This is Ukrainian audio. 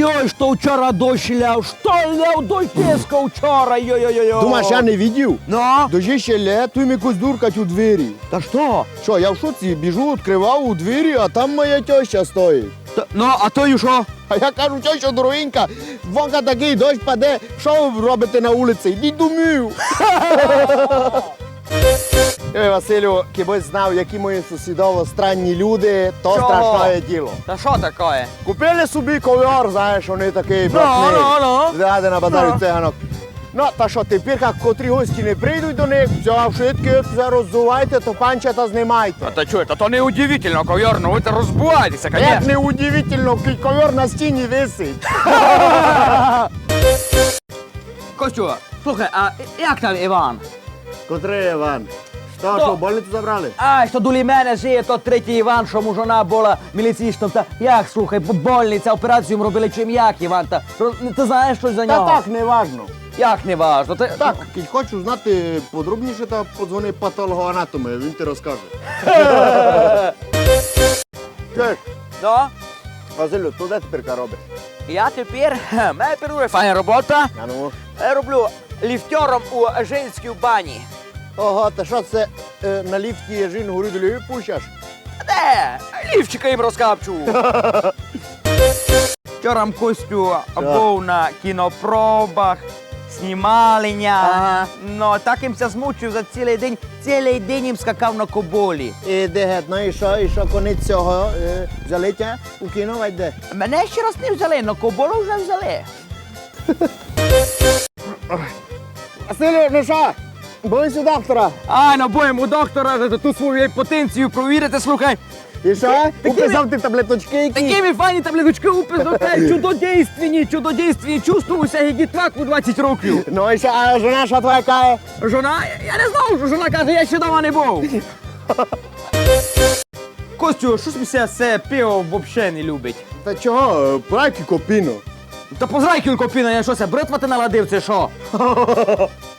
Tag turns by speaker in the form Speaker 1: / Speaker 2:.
Speaker 1: Йой, що вчора дощ ляв, що ляв дощ тиско вчора, йой-йой-йой.
Speaker 2: Думаєш, я не видів?
Speaker 1: Ну?
Speaker 2: Дожі ще лє, тут ми якось дуркать у двері.
Speaker 1: Та що?
Speaker 2: Що, я в шоці, біжу, відкривав у двері, а там моя теща стоїть.
Speaker 1: Ну, а то й що?
Speaker 2: А я кажу, теща дорогенька, вонка такий дощ паде, що ви робите на вулиці? Йдіть домів. Ой, Василю, кибось знав, які мої сусідово странні люди, то
Speaker 1: Чого?
Speaker 2: страшне діло.
Speaker 1: Та що таке?
Speaker 2: Купили собі ковер, знаєш, вони такий братний.
Speaker 1: ну.
Speaker 2: Заради на базарі
Speaker 1: Ну.
Speaker 2: циганок. Ну, та що тепер, як котрі гості не прийдуть до них, все, швидко роззувайте, то панчата знімайте.
Speaker 1: Та чуєте, то не удивительно, ковер, ну ви розбувайтеся,
Speaker 2: Як
Speaker 1: конечно.
Speaker 2: не удивительно, ковер на стіні висить.
Speaker 1: Костю, слухай, а як там Іван?
Speaker 2: Котрий Іван? Що, в больницю забрали?
Speaker 1: А, що до мене жиє тот третій Іван, що му жона була міліційщиком. Та як, слухай, больниця, операцію йому робили, чим як, Іван? Ти знаєш щось за
Speaker 2: Та
Speaker 1: нього?
Speaker 2: так, не важно.
Speaker 1: Як не важно? Ти...
Speaker 2: Так, як хочу знати подробніше, то подзвони патологоанатому, він ти розкаже. Чуєш,
Speaker 1: Ну?
Speaker 2: Василю, то де тепер робиш?
Speaker 1: Я тепер, мене перує файна робота.
Speaker 2: А ну.
Speaker 1: Я роблю ліфтером у женській бані.
Speaker 2: Ого, та що це на ліфті жін горі долі пущаш?
Speaker 1: Де? Лівчика їм розкапчу. Вчора Костю був на кінопробах, знімалення.
Speaker 2: Ага.
Speaker 1: Ну, так їм ся змучив за цілий день їм скакав на коболі.
Speaker 2: І де геть, ну і що конець цього взяли тя у кіно, вайде де?
Speaker 1: Мене ще раз не взяли, но коболу вже взяли.
Speaker 2: Василю, ну що? Боюся доктора.
Speaker 1: Ай, ну будемо у доктора ту свою потенцію провірити, слухай.
Speaker 2: І що? Уписав ти таблеточки які?
Speaker 1: Такими файні таблеточки уписав, чудодійственні, чувствуюся, як дітвак у 20 років.
Speaker 2: Ну і що, а жона що твоя каже?
Speaker 1: Жона, я не знав, що жона каже, я ще дома не був. Костю, щось мися це пиво взагалі не любить.
Speaker 2: Та чого, прайки копіно.
Speaker 1: Та позрай кілько піна, я що це, бритва ти наладив, це що?